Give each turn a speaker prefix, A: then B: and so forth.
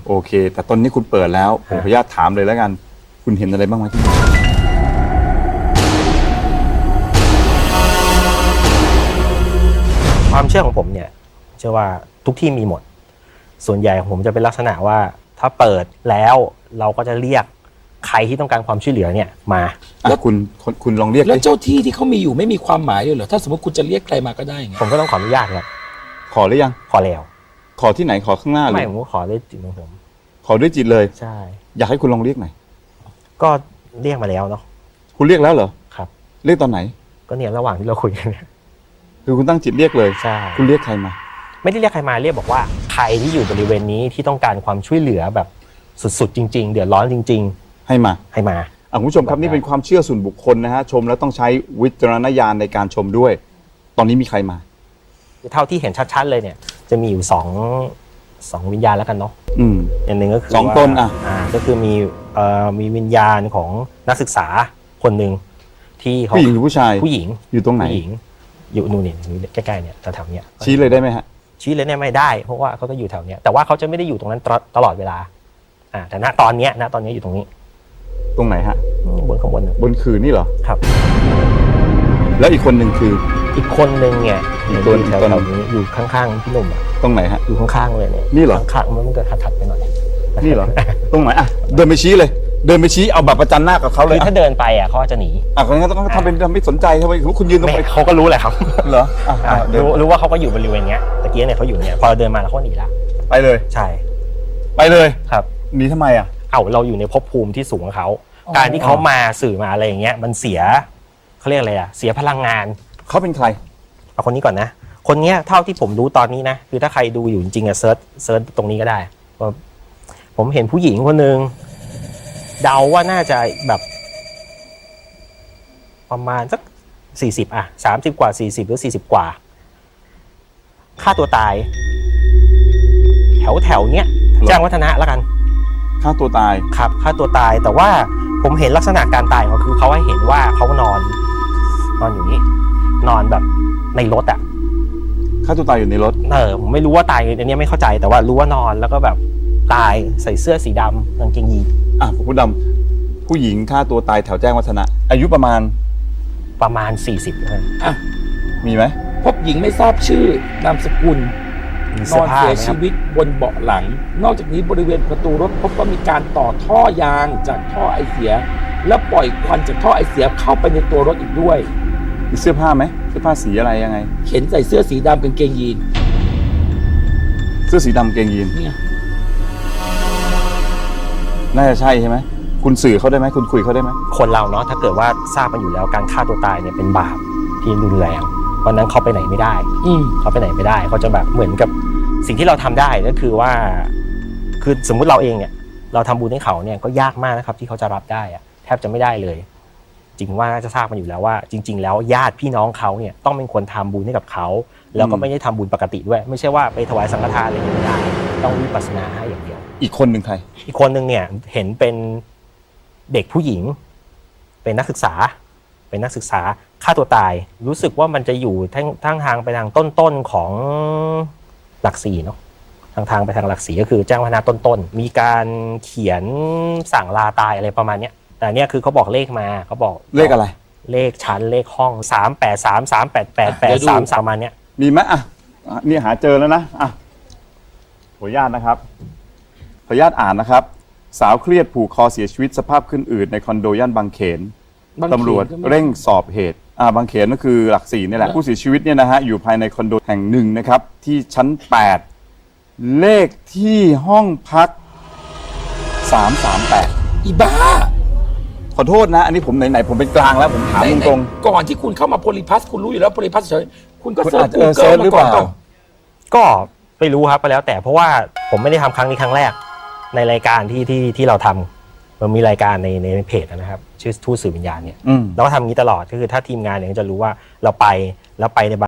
A: โอเคแต่ตอนนี้คุณเปิดแล้วผมขออนุญาตถามเลยแล้วกันคุณเห็นอะไรบ้างไหมที่นี่
B: ความเชื่อของผมเนี่ยเชื่อว่าทุกที่มีหมดส่วนใหญ่ของผมจะเป็นลักษณะว่าถ้าเปิดแล้วเราก็จะเรียกใครที่ต้องการความช่วยเหลือเนี่ยมา
A: แล้วคุณลองเรียก
C: แล้วเจ้าที่ที่เขามีอยู่ไม่มีความหมายเลยเหรอถ้าสมมติคุณจะเรียกใครมาก็ได้ไง
B: ผมก็ต้องขออนุญาตครับ
A: ขอหรือยัง
B: ขอแล้ว
A: ขอที่ไหนขอข้างหน้าเลย
B: ไม่ผมก็ขอด้วยจิตของผม
A: ขอด้วยจิตเลย
B: ใช่
A: อยากให้คุณลองเรียกหน่อย
B: ก็เรียกมาแล้วเนาะ
A: คุณเรียกแล้วเหรอ
B: ครับ
A: เรียกตอนไหน
B: ก็เนี่ยระหว่างที่เราคุยกันเนี่ย
A: คือคุณตั้งจิตเรียกเลย
B: ใช่
A: คุณเรียกใครมา
B: ไม่ได้เรียกใครมาเรียกบอกว่าใครที่อยู่บริเวณนี้ที่ต้องการความช่วยเหลือแบบสุดๆจริงๆเดือดร้อนจริง
A: ๆให้มาคุณผู้ชมครับนี่เป็นความเชื่อส่วนบุคคลนะฮะชมแล้วต้องใช้วิจารณญาณในการชมด้วยตอนนี้มีใครมา
B: เท่าที่เห็นชัดๆเลยเนี่ยจะมีอยู่สองวิญญาณแล้วกันเนาะอย่างหนึ่งก็คือ
A: 2 ตน
B: ก็คือมีวิญญาณของนักศึกษาคนหนึ่งที่เขา
A: ผู้หญิงหรือผู้ชาย
B: ผู้หญิง
A: อยู่ตรงไหน
B: ผู้หญิงอยู่นู่นนี่ใกล้ๆเนี่ยแถวๆเนี้ย
A: ชี้เลยได้ไหมฮะ
B: ชี้เลยเนี่ยไม่ได้เพราะว่าเขาก็อยู่แถวเนี้ยแต่ว่าเขาจะไม่ได้อยู่ตรงนั้นตลอดเวลาแต่ณตอนนี้อยู่ตรงนี้
A: ตรงไหนฮะ
B: บนข้างบน
A: คืนนี่เหรอ
B: ครับ
A: แล้วอีกคนหนึ่งคือ
B: อีกคนหนึ่งเนี่ยอยู่แถวนี้อยู่ข้างๆพี่หนุ่ม
A: ตรงไหนฮะ
B: อยู่ข้างๆเลยเนี่ย
A: นี่เหรอ
B: ข้างๆมันก็ถัดไปหน่อย
A: นี่เหรอตรงไหนเดินไปชี้เลยเดินไปชี้เอาบัตรประจันหน้ากับเขาเลย
B: ถ้าเดินไปเขาจะหนี
A: คนนั้นต้องทำเป็นไม่สนใจทำไมคุณยืนตรงไป
B: เขาก็รู้แหละครับ
A: เหรอ
B: รู้ว่าเขาก็อยู่บริเวณเนี้ยตะกี้เนี่ยเขาอยู่เนี่ยพอเราเดินมาแล้วเขาหนีละ
A: ไปเลย
B: ใช่
A: ไปเลย
B: ครับ
A: หนีทำไม
B: เราอยู่ในภพภูมิที่สูงของเขาการที่เขามาสื่อมาอะไรอย่างเงี้ยมันเสียเขาเรียกอะไรเสียพลังงาน
A: เขาเป็นใคร
B: เอาคนนี้ก่อนนะคนนี้เท่าที่ผมรู้ตอนนี้นะคือถ้าใครดูอยู่จริงๆเซิร์ชตรงนี้ก็ได้ว่าผมเห็นผู้หญิงคนหนึ่งเดาว่าน่าจะแบบประมาณสัก40 30 กว่า40หรือ40 กว่าฆ่าตัวตายแถวเนี้ยแจ้งวัฒนะแล้วกัน
A: ฆ่าตัวตาย
B: ครับฆ่าตัวตายแต่ว่าผมเห็นลักษณะการตายเขาคือเขาให้เห็นว่าเขานอนอยู่นี่นอนแบบในรถ
A: ฆ่าตัวตายอยู่ในรถ
B: ผมไม่รู้ว่าตายอันนี้ไม่เข้าใจแต่ว่ารู้ว่านอนแล้วก็แบบตายใส่เสื้อสีดำกางเกงยีน
A: ผู้ดำผู้หญิงฆ่าตัวตายแถวแจ้งวัฒนะอายุประมาณ
B: 40เลย
A: มีไหม
C: พบหญิงไม่ทราบชื่อนามสกุลนอนเสียชีวิตบนเบาะหลังนอกจากนี้บริเวณประตูรถพบว่ามีการต่อท่อยางจากท่อไอเสียและปล่อยควันจากท่อไอเสียเข้าไปในตัวรถอีกด้วย
A: มีเสื้อผ้าไหมเสื้อผ้าสีอะไรยังไง
C: เห็นใส่เสื้อสีดำกางเกงยีน
A: เสื้อสีดำกางเกงยีน
C: เนี่ย
A: น่าจะใช่ใช่ไหมคุณสื่อเขาได้ไหมคุณคุยเขาได้ไหม
B: คนเราเนาะถ้าเกิดว่าทราบมาอยู่แล้วการฆ่าตัวตายเนี่ยเป็นบาปที่รุนแรงเพราะนั้นเขาไปไหนไม่ได้เขาไปไหนไม่ได้เขาจะแบบเหมือนกับสิ่งที่เราทำได้ก็คือว่าคือสมมุติเราเองเนี่ยเราทำบุญให้เขาเนี่ยก็ยากมากนะครับที่เขาจะรับได้แทบจะไม่ได้เลยจริงว่าน่าจะทราบมาอยู่แล้วว่าจริงๆแล้วญาติพี่น้องเขาเนี่ยต้องเป็นคนทำบุญให้กับเขาแล้วก็ไม่ได้ทำบุญปกติด้วยไม่ใช่ว่าไปถวายสังฆทานอะไรอย่างนี้ไม่ได้ต้องวิปัสสนาให้อย่างเดียว
A: อีกคนหนึ่งใคร
B: อีกคนหนึ่งเนี่ยเห็นเป็นเด็กผู้หญิงเป็นนักศึกษาฆ่าตัวตายรู้สึกว่ามันจะอยู่ทางไปทางต้นของหลัก4เนาะทางไปทางหลัก4ก็คือแจ้งวัฒนะต้นมีการเขียนสั่งลาตายอะไรประมาณเนี้ยแต่เนี่ยคือเขาบอกเลขมาเขาบอก
A: เลขอะไร
B: เลขชั้นเลขห้อง383 388 3ประมาณเนี้ย
A: มีไหมนี่หาเจอแล้วนะขออนุญาตนะครับขออนุญาตอ่านนะครับสาวเครียดผูกคอเสียชีวิตสภาพขึ้นอืดในคอนโดย่านบางเขนตำรวจเร่งสอบเหตุบางเขนก็คือหลัก4นี่แหละผู้เสียชีวิตเนี่ยนะฮะอยู่ภายในคอนโดแห่งหนึ่งนะครับที่ชั้น8เลขที่ห้องพัก338
C: อีบ้า
A: ขอโทษนะอันนี้ผมไหนๆผมเป็นกลางแล้วผมถามตรง
C: ๆก่อนที่คุณเข้ามาโพลิพัสคุณรู้อยู่แล้วโพลิพัสเฉยคุณก็เซิ
A: ร์ชหรือเปล่า
B: ก็ไม่รู้ครับก็แล้วแต่เพราะว่าผมไม่ได้ทำครั้งนี้ครั้งแรกในรายการที่เราทำมันมีรายการในเพจนะครับชื่อทูตสื่อวิญญาณเนี่ยเราก็ทำอย่างนี้ตลอดก็คือถ้าทีมงานเนี่ยจะรู้ว่าเราไปใน